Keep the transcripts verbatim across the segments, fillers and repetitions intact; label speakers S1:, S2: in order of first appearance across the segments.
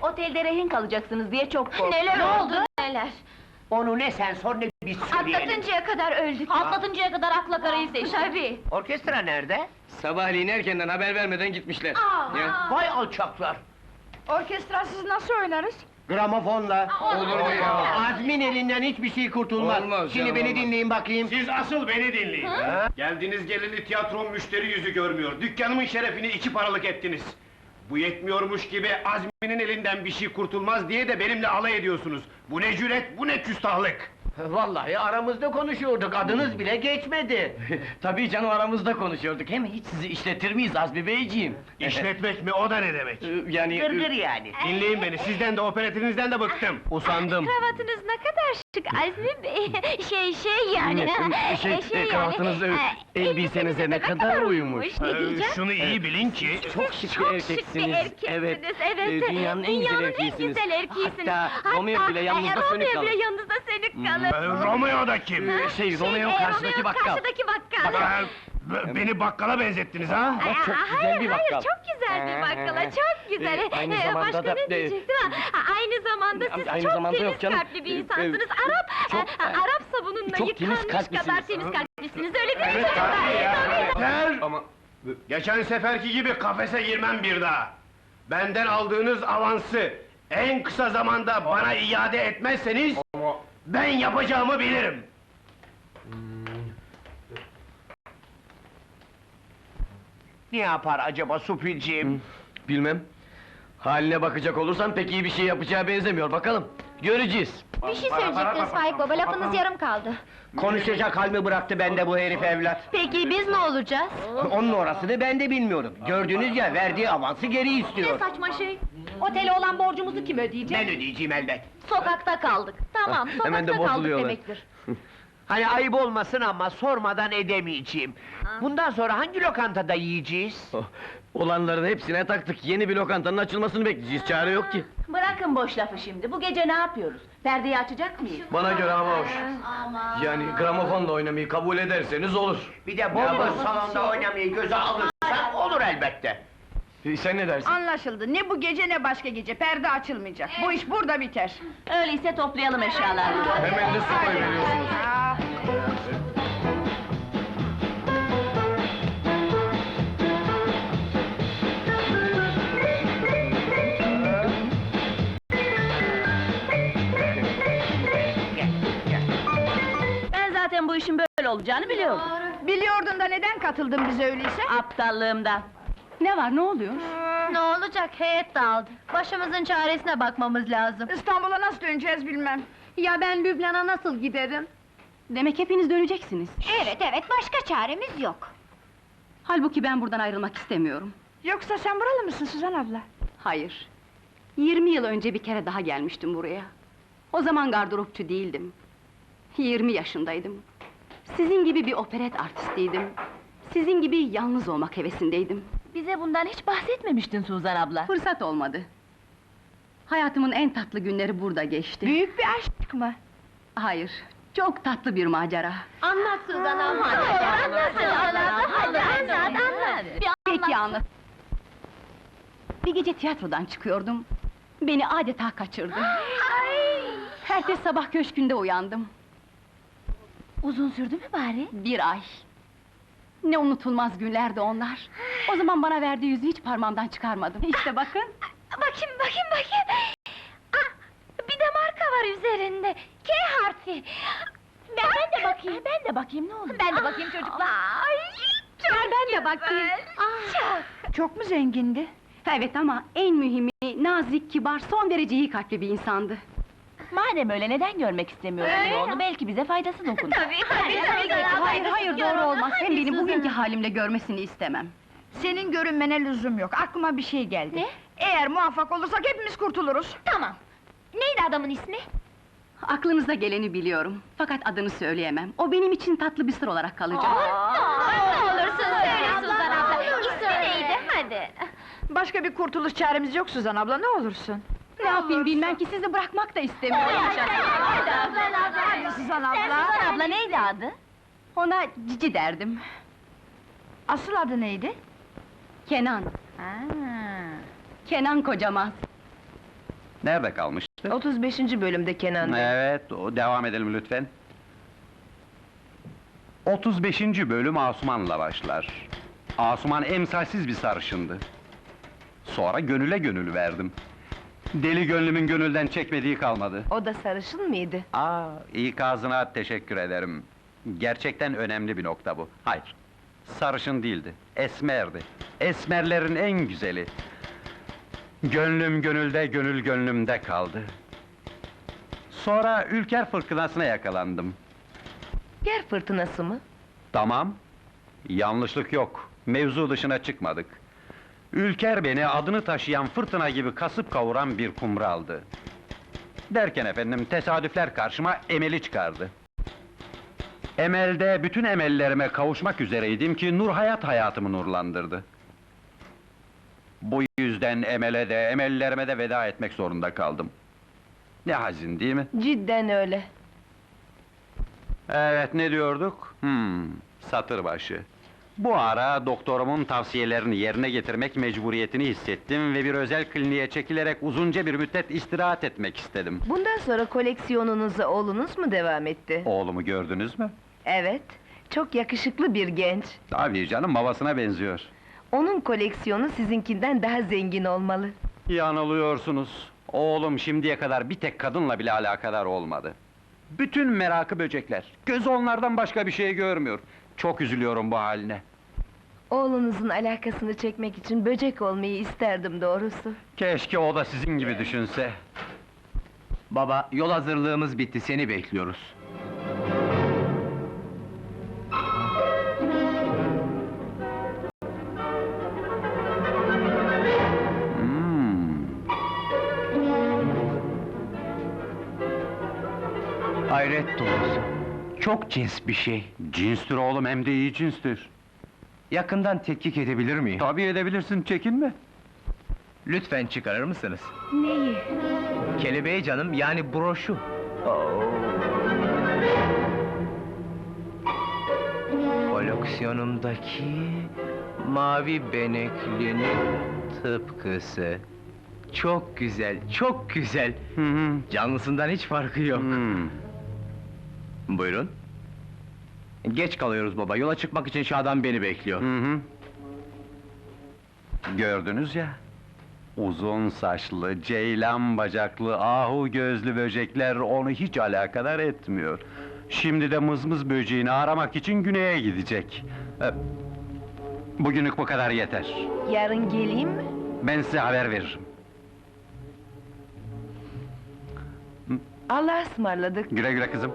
S1: Otelde rehin kalacaksınız diye çok korktum.
S2: Neler oldu, neler?
S3: Onu ne sen sor ne biz söyleyelim.
S2: Atlatıncaya kadar öldük.
S1: Atlatıncaya kadar akla karayı seçtim.
S2: Tabii.
S3: Orkestra nerede?
S4: Sabahleyin erkenden haber vermeden gitmişler.
S2: Aa,
S4: Ya.
S3: Vay alçaklar!
S5: Orkestrasız nasıl oynarız?
S3: Gramofonla.
S4: Olur mu ya?
S3: Azmin elinden hiçbir şey kurtulmaz.
S4: Olmaz
S3: Şimdi
S4: canım,
S3: beni
S4: olmaz.
S3: dinleyin bakayım.
S6: Siz asıl beni dinleyin. Geldiğiniz geleli tiyatrom müşteri yüzü görmüyor. Dükkanımın şerefini iki paralık ettiniz. Bu yetmiyormuş gibi Azmi'nin elinden bir şey kurtulmaz diye de benimle alay ediyorsunuz. Bu ne cüret, bu ne küstahlık!
S3: Vallahi aramızda konuşuyorduk, adınız bile geçmedi.
S4: Tabii canım, aramızda konuşuyorduk. Hem hiç sizi işletir miyiz Azmi Beyciğim?
S6: İşletmek mi, o da ne demek?
S4: Ee, yani...
S3: Gırgır yani.
S6: Dinleyin beni, sizden de operatinizden de bıktım.
S4: Usandım.
S2: kravatınız ne kadar şık Azmi Bey! Şey şey yani...
S4: Evet, şey,
S2: e,
S4: e, kravatınız, e,
S2: e,
S4: elbisenize ne kadar uyumuş.
S2: Ne
S6: Ee,
S2: diyeceğim?
S6: şunu iyi bilin ki...
S4: Çok şık
S2: Çok
S4: bir
S2: şık bir
S4: erkeksiniz.
S2: erkeksiniz,
S4: Evet,
S2: evet.
S4: e, dünyanın en güzel
S2: Dünyanın
S4: erkeğisiniz.
S2: en güzel erkeğisiniz.
S4: Hatta Romeo bile yanınızda
S2: e,
S4: sönük
S2: Romeo
S4: kalır.
S2: bile yanınızda sönük kalır.
S6: Ee, Romeo da kim?
S4: Ee, şey, Romeo
S2: e,
S4: karşıdaki
S2: Romeo
S4: bakkal.
S2: karşıdaki bakkal.
S6: Ben- b- beni bakkala benzettiniz ha?
S4: Ama çok
S2: Aa,
S4: güzel
S2: hayır,
S4: bir
S2: hayır,
S4: bakkal.
S2: çok güzel bir bakkala,
S4: Ee,
S2: çok güzel.
S4: e, aynı
S2: Ee,
S4: zamanda
S2: Başka
S4: da-
S2: ne diyecektim ha? Ha, Aynı zamanda siz
S4: Aynı
S2: çok
S4: zamanda yok
S2: temiz
S4: canım.
S2: kalpli bir
S4: Ee,
S2: insansınız.
S4: e,
S2: Arap,
S4: çok-
S2: e, Arap sabununla
S4: çok temiz
S2: yıkanmış
S4: kalplisiniz.
S2: kadar temiz kalplisiniz, öyle değil mi
S6: Evet,
S2: çocuklar?
S6: tabii ya.
S2: Tabii.
S6: Yeter!
S4: Ama...
S6: Geçen seferki gibi kafese girmem bir daha. Benden aldığınız avansı en kısa zamanda bana iade etmezseniz... ...ben yapacağımı bilirim.
S3: Ne yapar acaba Supilciğim?
S4: Bilmem. Haline bakacak olursan pek iyi bir şey yapacağı benzemiyor, bakalım. Göreceğiz.
S2: Bir şey söyleyecektiniz Faik Baba, lafınız yarım kaldı.
S3: Konuşacak hal mi bıraktı bende bu herif evlat?
S2: Peki biz ne olacağız?
S3: Onun orasını ben de bilmiyorum. Gördünüz ya, verdiği avansı geri istiyor.
S1: Saçma şey! Otele olan borcumuzu kim ödeyecek?
S3: Ben ödeyeceğim elbet.
S1: Sokakta kaldık. Tamam, sokakta
S4: Hemen de
S1: kaldık
S4: bozuluyorlar.
S1: demektir.
S3: Hani ayıp olmasın ama sormadan edemeyeceğim. Bundan sonra hangi lokantada yiyeceğiz?
S4: Oh, olanların hepsine taktık. Yeni bir lokantanın açılmasını bekleyeceğiz. Çare yok ki.
S1: Bırakın boş lafı şimdi, bu gece ne yapıyoruz? Perdeyi açacak mıyız?
S4: Bana göre hava hoş. Yani gramofonla oynamayı kabul ederseniz olur.
S3: Bir de bol bol salonda oynamayı göze alırsan olur elbette.
S4: Ee, sen ne dersin?
S5: Anlaşıldı. Ne bu gece ne başka gece. Perde açılmayacak. Bu iş burada biter.
S1: Öyleyse toplayalım eşyalarını.
S4: Hemen de su koyuveriyorsunuz.
S5: Aa,
S1: Ben zaten bu işin böyle olacağını biliyorum.
S5: biliyordun da neden katıldın bize öyleyse?
S1: Aptallığımdan. Ne var, ne oluyor?
S2: Ne olacak, heyet dağıldı. Başımızın çaresine bakmamız lazım.
S5: İstanbul'a nasıl döneceğiz bilmem.
S1: Ya ben Lübnan'a nasıl giderim? Demek hepiniz döneceksiniz.
S2: Evet, evet, başka çaremiz yok.
S1: Halbuki ben buradan ayrılmak istemiyorum.
S5: Yoksa sen buralı mısın Suzan abla?
S1: Hayır. Yirmi yıl önce bir kere daha gelmiştim buraya. O zaman gardıropçu değildim. Yirmi yaşındaydım. Sizin gibi bir operet artistiydim. Sizin gibi yalnız olmak hevesindeydim.
S2: Bize bundan hiç bahsetmemiştin Suzan abla.
S1: Fırsat olmadı. Hayatımın en tatlı günleri burada geçti.
S5: Büyük bir aşk mı?
S1: Hayır, çok tatlı bir macera.
S2: Anlat Suzan abla. Anlat Suzan abla, hadi anlat, anlat.
S1: Peki anlat. Bir gece tiyatrodan çıkıyordum. Beni adeta kaçırdı. Ertesi sabah köşkünde uyandım.
S2: Uzun sürdü mü bari?
S1: Bir ay. Ne unutulmaz günlerdi onlar. O zaman bana verdiği yüzü hiç parmağımdan çıkarmadım. İşte bakın.
S2: Bakayım, bakayım, bakayım! Ah, bir de marka var üzerinde, K harfi! Ben, ben de bakayım, ben de bakayım, ne olur? Ben de bakayım çocuklar! Ay, çok ben de bakayım! Çok!
S5: Çok mu zengindi?
S1: Evet ama en mühimi, nazik, kibar, son derece iyi kalpli bir insandı.
S2: Madem öyle, neden görmek istemiyorsun onu? Belki bize faydası dokunur. Tabii, tabii, tabii!
S1: Hayır, hayır, doğru olmaz. Hem beni bugünkü halimle görmesini istemem.
S5: Senin görünmene lüzum yok. Aklıma bir şey geldi.
S2: Ne?
S5: Eğer muvaffak olursak hepimiz kurtuluruz.
S2: Tamam! Neydi adamın ismi?
S1: Aklınıza geleni biliyorum. Fakat adını söyleyemem. O benim için tatlı bir sır olarak kalacak.
S2: Ne olursun söyle Suzan abla! İsmi neydi, hadi!
S5: Başka bir kurtuluş çaremiz yok Suzan abla, ne olursun.
S1: Ne yapayım bilmem ki sizi bırakmak da istemiyorum.
S5: Hadi Suzan abla!
S2: Suzan abla neydi adı?
S1: Ona Cici derdim.
S5: Asıl adı neydi?
S1: Kenan.
S5: Ha.
S1: Kenan Kocamaz.
S7: Nerede kalmıştık?
S5: otuz beşinci bölümde Kenan Bey.
S7: Evet, o, devam edelim lütfen. otuz beşinci bölüm Asuman'la başlar. Asuman emsalsiz bir sarışındı. Sonra gönüle gönül verdim. Deli gönlümün gönülden çekmediği kalmadı.
S5: O da sarışın mıydı?
S7: Aa, ikazına teşekkür ederim. Gerçekten önemli bir nokta bu. Hayır, sarışın değildi, esmerdi. Esmerlerin en güzeli. Gönlüm gönülde, gönül gönlümde kaldı. Sonra Ülker fırtınasına yakalandım.
S5: Yer fırtınası mı?
S7: Tamam, yanlışlık yok. Mevzu dışına çıkmadık. Ülker beni adını taşıyan fırtına gibi kasıp kavuran bir kumraldı. Derken efendim, tesadüfler karşıma Emel'i çıkardı. Emel'de bütün emellerime kavuşmak üzereydim ki Nur Hayat hayatımı nurlandırdı. Bu yüzden Emel'e de, emellerime de veda etmek zorunda kaldım. Ne hazin değil mi?
S5: Cidden öyle.
S7: Evet, ne diyorduk? Hmm, satır başı. Bu ara doktorumun tavsiyelerini yerine getirmek mecburiyetini hissettim ve bir özel kliniğe çekilerek uzunca bir müddet istirahat etmek istedim.
S5: Bundan sonra koleksiyonunuza oğlunuz mu devam etti?
S7: Oğlumu gördünüz mü?
S5: Evet. Çok yakışıklı bir genç.
S7: Tabii canım, babasına benziyor.
S5: Onun koleksiyonu sizinkinden daha zengin olmalı.
S7: Yanılıyorsunuz. Oğlum şimdiye kadar bir tek kadınla bile alakadar olmadı. Bütün merakı böcekler. Gözü onlardan başka bir şey görmüyor. Çok üzülüyorum bu haline.
S5: Oğlunuzun alakasını çekmek için böcek olmayı isterdim doğrusu.
S7: Keşke o da sizin gibi düşünse.
S3: Baba, yol hazırlığımız bitti, seni bekliyoruz.
S7: Hmm.
S3: Hayret doğrusu. Çok cins bir şey.
S7: Cinstir oğlum, hem de iyi cinstir.
S3: Yakından tetkik edebilir miyim?
S7: Tabii edebilirsin, çekinme.
S3: Lütfen çıkarır mısınız?
S5: Neyi?
S3: Kelebeği canım, yani broşu. Koleksiyonumdaki mavi beneklinin tıpkısı. Çok güzel, çok güzel.
S7: Hı hı.
S3: Canlısından hiç farkı yok.
S7: Hmm.
S3: Buyurun. Geç kalıyoruz baba, yola çıkmak için Şadan beni bekliyor.
S7: Hı hı. Gördünüz ya, uzun saçlı, ceylan bacaklı, ahu gözlü böcekler onu hiç alakadar etmiyor. Şimdi de mızmız böceğini aramak için güneye gidecek. Ee, Bugünlük bu kadar yeter.
S5: Yarın geleyim mi?
S7: Ben size haber veririm.
S5: Allah'a ısmarladık.
S7: Güle güle kızım.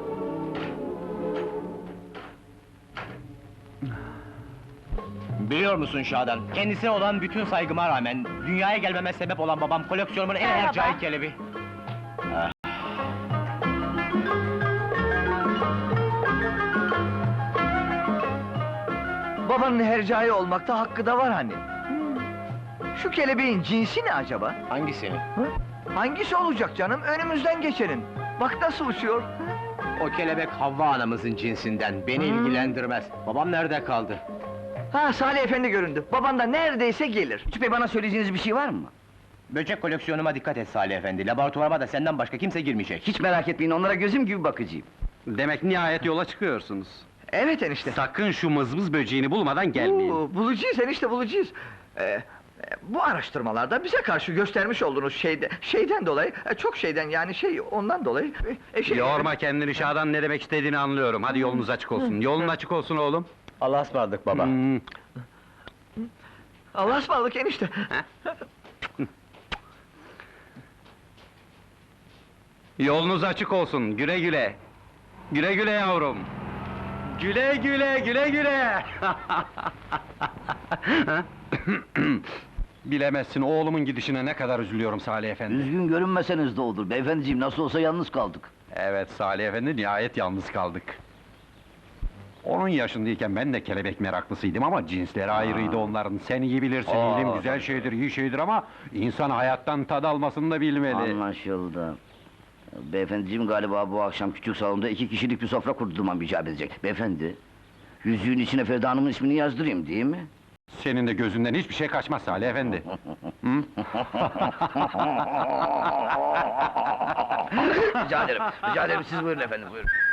S3: Biliyor musun Şadan, kendisine olan bütün saygıma rağmen... ...dünyaya gelmeme sebep olan babam koleksiyonumun en
S5: Merhaba.
S3: hercai kelebi.
S8: Babanın hercai olmakta hakkı da var hani. Şu kelebeğin cinsi ne acaba?
S3: Hangisi?
S8: Hangisi olacak canım? Önümüzden geçenin. Bak nasıl uçuyor.
S3: O kelebek Havva anamızın cinsinden, beni ilgilendirmez. Babam nerede kaldı?
S8: Ha, Salih Efendi göründü. Baban da neredeyse gelir.
S9: Lütfü Bey, bana söyleyeceğiniz bir şey var mı?
S3: Böcek koleksiyonuma dikkat et Salih Efendi, laboratuvarıma da senden başka kimse girmeyecek.
S9: Hiç merak etmeyin, onlara gözüm gibi bakıcıyım.
S7: Demek nihayet yola çıkıyorsunuz.
S8: Evet enişte.
S7: Sakın şu mızmız böceğini bulmadan gelmeyin.
S8: Oo, bulacağız enişte, bulacağız. Ee, e, bu araştırmalarda bize karşı göstermiş olduğunuz şeyde, şeyden dolayı, e, çok şeyden yani şey, ondan dolayı... E, şey,
S7: Yorma kendini Şadan, ne demek istediğini anlıyorum. Hadi yolunuz açık olsun. Yolun açık olsun oğlum.
S3: Allah'a ısmarladık baba.
S7: Hmm.
S8: Allah'a ısmarladık enişte.
S7: Yolunuz açık olsun, güle güle! Güle güle yavrum! Güle güle, güle güle! Bilemezsin, oğlumun gidişine ne kadar üzülüyorum Salih Efendi.
S9: Üzgün görünmeseniz de olur, beyefendiciğim, nasıl olsa yalnız kaldık.
S7: Evet Salih Efendi, nihayet yalnız kaldık. Onun yaşındayken ben de kelebek meraklısıydım ama cinsleri ayrıydı onların. Sen iyi bilirsin,
S9: Aa,
S7: ilim güzel
S9: tabii.
S7: şeydir, iyi şeydir ama... ...insan hayattan tad almasını da bilmeli.
S9: Anlaşıldı. Beyefendiciğim, galiba bu akşam küçük salonda iki kişilik bir sofra kurdurmam icap edecek. Beyefendi, yüzüğün içine Feride Hanım'ın ismini yazdırayım, değil mi?
S7: Senin de gözünden hiçbir şey kaçmaz Salih efendi. Hı?
S8: Rica ederim, rica ederim, siz buyurun efendim, buyurun.